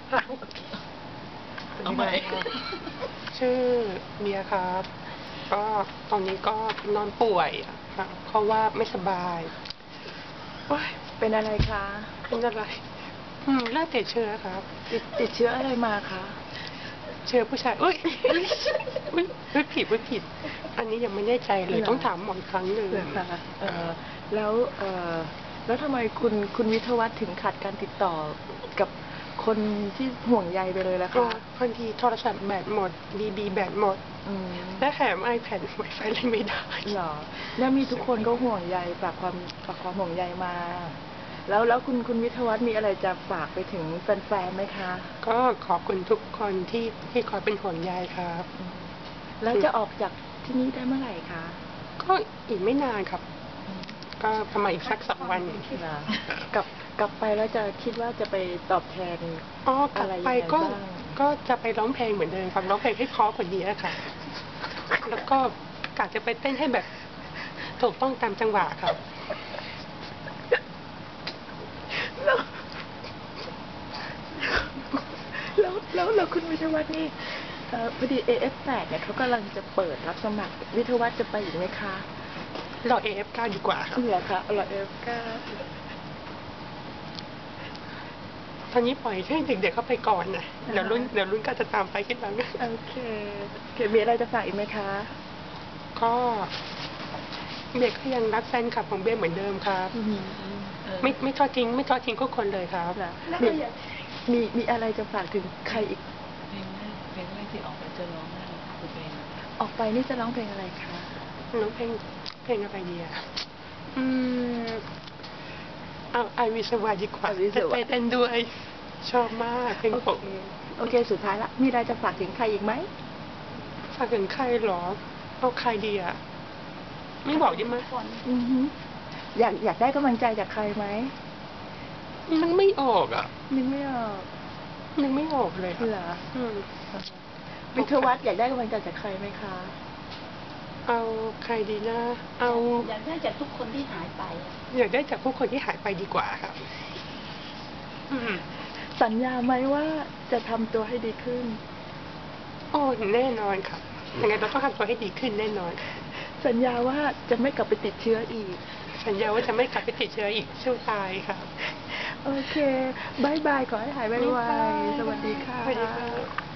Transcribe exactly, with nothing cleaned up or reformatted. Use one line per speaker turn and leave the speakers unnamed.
เอาใหม่ชื่อเมียครับก็ตอนนี้ก็นอนป่วยครับเพราะว่าไม่สบาย
โอ๊ยเป็นอะไรคะ
เป็นอะไรอืมน่าติดเชื้อครับ
ติดติดเชื้ออะไรมาคะ
เชื้อผู้ชายอุ้ยอุ้ยอุ้ยผิดอุ้ยผิดอันนี้ยังไม่แน่ใจเลยต้องถามหมออีกครั้งหนึ่ง
ค่ะเออแล้วเออแล้วทำไมคุณคุณวิทยวัฒน์ถึงขาดการติดต่อกับคนที่ห่วงใยไปเลยล่ะคะ
บางทีโทรศัพท์แบตหมดบีบีแบตหมดและแถมไอแพดไวไฟเล่นไม่ได้
หรอแล้วมีทุกคนก็ห่วงใยฝากความฝากความห่วงใยมาแล้วแล้วคุณคุณวิทยวัฒน์มีอะไรจะฝากไปถึงแฟนๆไหมคะ
ก็ขอบคุณทุกคนที่ที่คอยเป็นห่วงใยครับ
แล้วจะออกจากที่นี่ได้เมื่อไหร่คะ
ก็อีกไม่นานครับก็ประมาณอีกสักสองวัน
กลับกลับไปแล้วจะคิดว่าจะไปตอบแทน
อ๋อกลับไปก็ก็จะไปร้องเพลงเหมือนเดิมครับร้องเพลงให้เพราะกว่านี้ค่ะแล้วก็กะจะไปเต้นให้แบบถูกต้องตามจังหวะครับ
แล้วแล้วแล้วคุณวิทยวัฒน์นี่พอดี เอ เอฟ แปดเนี่ยเขากำลังจะเปิดรับสมัครวิทยวัฒน์จะไปอีกไหมคะ
รอ เอ เอฟ เก้า ดีกว่าครับ
เหรอคะรอ เอ เอฟ เก้า
ตอนนี้ปล่อยให้เด็กๆเข้าไปก่อนนะเดี๋ยวรุ่นเดี๋ยวรุ่นก็จะตามไปขึ้นหลัง
โอเคเกมีอะไรจะฝากอีกไหมคะ
ก็เด็กก็ยังรักแฟนคลับของเบี้ยเหมือนเดิมครับไม่ไม่ทอดทิ้งไม่ทอดทิ้งทุกคนเลยครับ
มีมีมีอะไรจะฝากถึงใครอีก
เพลงแรกเพลงแรกที่ออกไปจะร้องอะไรคือเพลง
ออกไปนี่จะร้องเพลงอะไรคะ
ร้องเพลงเพลงอะไรดีอ่ะอืมเอาไอวิสวาดีกว่าจะไปเต้นด้วยชอบมากเพลงผม
โอเคสุดท้ายละมีอะไรจะฝากถึงใครอีกไหม
ฝากถึงใครหรอเอาใครดีอ่ะไม่บอกได้ไหม
อยากอยากได้กำลังใจจากใครไหม
นึกไม่ออกอ่ะ
นึกไม่ออก
นึกไม่ออกเลย
เหรอวิทยวัฒน์อยากได้กำลังใจจากใครไหมคะ
เอาใครดีนะเอา
อยากได้จากทุกคนที่หายไป
อยากได้จากทุกคนที่หายไปดีกว่าครับ
สัญญาไหมว่าจะทำตัวให้ดีขึ้น
โอ้แน่นอนครับยังไงเราต้องทำตัวให้ดีขึ้นแน่นอน
สัญญาว่าจะไม่กลับไปติดเชื้ออีก
สัญญาว่าจะไม่กลับไปติดเชื้ออีกสู้ตายครับ
โอเคบายบายขอให้หายไวๆสวัสดีค่ะ